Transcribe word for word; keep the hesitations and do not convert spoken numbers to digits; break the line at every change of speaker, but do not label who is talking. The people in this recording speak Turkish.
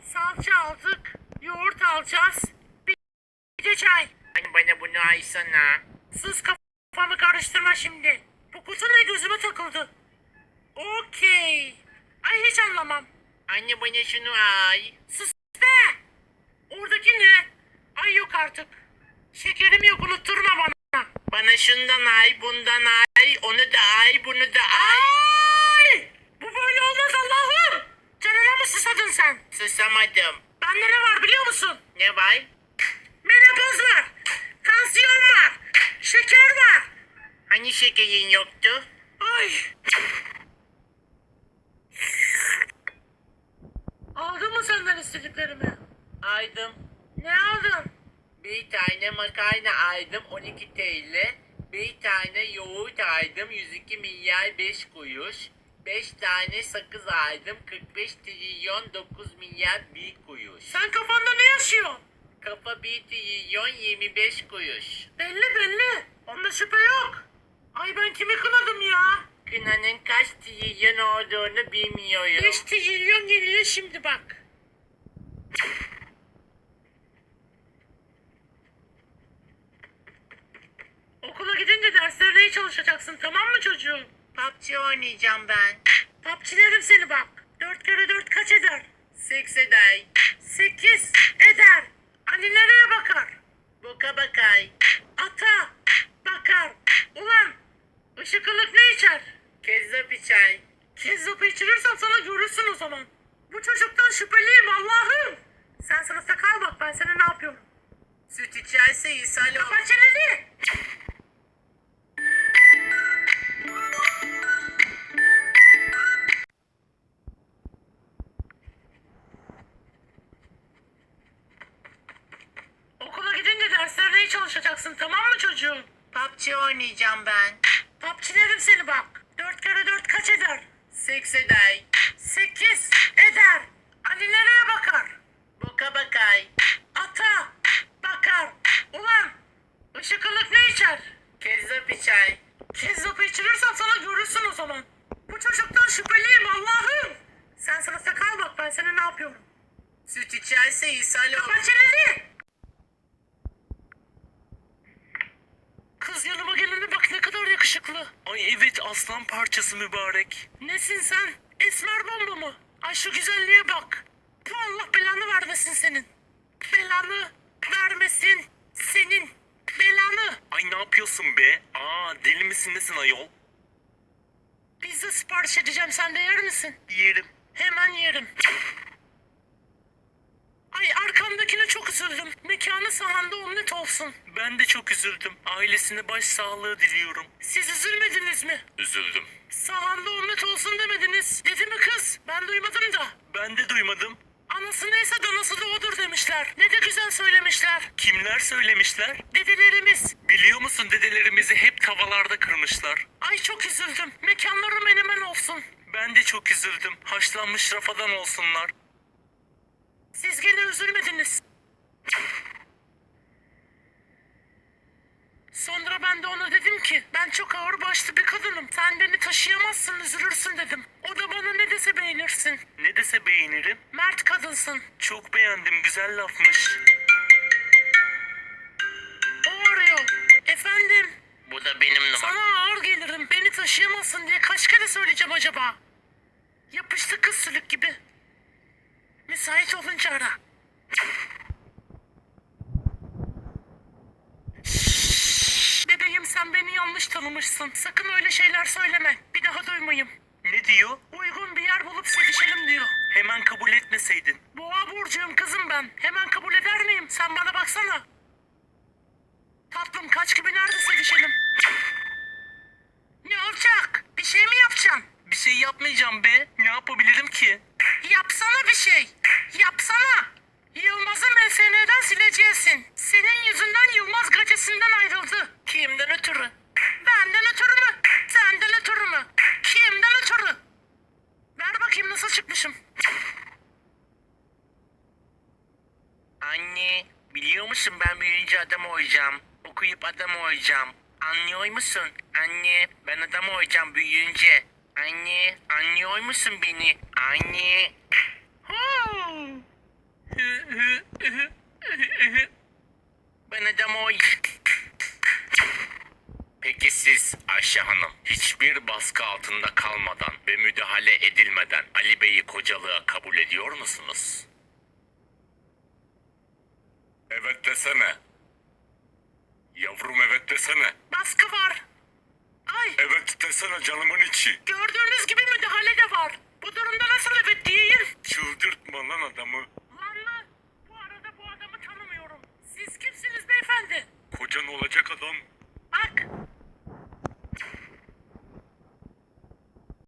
Salça aldık. Yoğurt alacağız. Bir de çay.
Hani bana bunu aysana.
Sus, kafamı karıştırma şimdi. Bu kutu ne, gözüme takıldı. Okey. Ay hiç anlamam.
Anne bana şunu ay.
Sus be. Oradaki ne? Ay yok artık. Şekerim yok, unutturma bana.
Bana şundan ay, bundan ay, onu da ay, bunu da ay.
Ay! Bu böyle olmaz Allah'ım. Canına mı susadın sen?
Susamadım.
Bende ne var biliyor musun?
Ne var?
Menopoz var. Tansiyon var. Şeker var.
Hani şekerin yoktu?
Ay. Aldın mı senden istediklerimi?
Aydım.
Ne aldın?
Bir tane makarna aydım on iki T L. Bir tane yoğurt aydım yüz iki milyar beş kuruş. Beş tane sakız aydım kırk beş trilyon dokuz milyar bir kuruş.
Sen kafanda ne yaşıyorsun?
Kafa bir trilyon yirmi beş kuruş.
Belli belli. Onda şüphe yok. Ay ben kimi kınadım ya?
Kınanın kaç trilyon olduğunu bilmiyorum.
beş trilyon geliyor şimdi bak. Okula gidince derslerine iyi çalışacaksın, tamam mı çocuğum?
P U B G oynayacağım ben.
Papçilerim seni bak. Dört kere dört kaç eder?
Seks eder.
Sekiz eder. Ali nereye bakar?
Boka bakay.
Ata bakar. Ulan ışık ılık ne içer?
Kezzap içer.
Kezzapı içirirsen sana görürsün o zaman. Bu çocuktan şüpheliyim Allah'ım. Sen sınıfta kal bak, ben sana ne yapıyorum.
Süt içerse ishal olur.
Kapat çeneni. Okula gidince derslerine iyi çalışacaksın, tamam mı çocuğum?
P U B G oynayacağım ben.
Papçilerim seni bak. Dört kere dört kaç eder?
Seks eder.
Sekiz eder. Ali nereye bakar?
Boka bakay.
Ata bakar. Ulan ışık ılık ne içer?
Kezzap içer.
Kezzapı içirirsen sana görürsün o zaman. Bu çocuktan şüpheliyim Allah'ım. Sen sınıfta kal bak, ben sana ne yapıyorum.
Süt içerse ishal olur.
Kapat çeneni. Kız yanıma gelene bak, ne kadar yakışıklı.
Ay evet, aslan parçası mübarek.
Nesin sen? Esmer bomba mı? Ay şu güzelliğe bak. Bu Allah belanı vermesin senin. Belanı vermesin senin. Belanı.
Ay ne yapıyorsun be? Aa, deli misin nesin ayol?
Pizza sipariş edeceğim, sen de yer misin?
Yerim.
Hemen yerim. Ay arkamdakine çok üzüldüm. Mekanı sahanda omlet olsun.
Ben de çok üzüldüm. Ailesine başsağlığı diliyorum.
Siz üzülmediniz mi?
Üzüldüm.
Sahanda omlet olsun demediniz. Dedi mi kız? Ben duymadım da.
Ben de duymadım.
Anası neyse danası da odur demişler. Ne de güzel söylemişler.
Kimler söylemişler?
Dedelerimiz.
Biliyor musun, dedelerimizi hep tavallarda kırmışlar.
Ay çok üzüldüm. Mekanları menemen olsun.
Ben de çok üzüldüm. Haşlanmış rafadan olsunlar.
Siz gene üzülmediniz. Sonra ben de ona dedim ki ben çok ağır başlı bir kadınım. Sen beni taşıyamazsın, üzülürsün dedim. O da bana ne dese beğenirsin.
Ne dese beğenirim.
Mert kadınsın.
Çok beğendim, güzel lafmış.
O arıyor. Efendim,
Bu da benim numaram.
sana ağır gelirim. Beni taşıyamazsın diye kaç kere söyleyeceğim acaba? Yapıştı kız sülük gibi. Müsait olunca ara. Şşş, bebeğim sen beni yanlış tanımışsın. Sakın öyle şeyler söyleme. Bir daha duymayayım.
Ne diyor?
Uygun bir yer bulup sevişelim diyor.
Hemen kabul etmeseydin.
Boğa burcuyum kızım ben. Hemen kabul eder miyim? Sen bana baksana. Tatlım kaç gibi nerede sevişelim? Ne olacak? Bir şey mi yapacaksın?
Bir şey yapmayacağım be. Ne yapabilirim ki?
Yapsana bir şey. Yapsana. Yılmaz'ı M S N'den sileceksin. Senin yüzünden Yılmaz gazetesinden ayrıldı. Kimden ötürü? Benden ötürü mü? Senden ötürü mü? Kimden ötürü? Ver bakayım nasıl çıkmışım.
Anne, biliyor musun ben büyüyünce adam olacağım. Okuyup adam olacağım. Anlıyor musun? Anne, ben adam olacağım büyüyünce. Anne, anlıyor musun beni? Anne.
Hmm.
Ben Edem o. Peki siz Ayşe Hanım hiçbir baskı altında kalmadan ve müdahale edilmeden Ali Bey'i kocalığa kabul ediyor musunuz? Evet desene. Yavrum evet desene.
Baskı var. Ay,
Evet desene canımın içi.
gördüğünüz gibi müdahale de var. Bu durumda nasıl evet diyeyim?
Çıldırtma lan adamı.
Lan lan, bu arada bu adamı tanımıyorum. Siz kimsiniz beyefendi?
Kocan olacak adam.
Bak,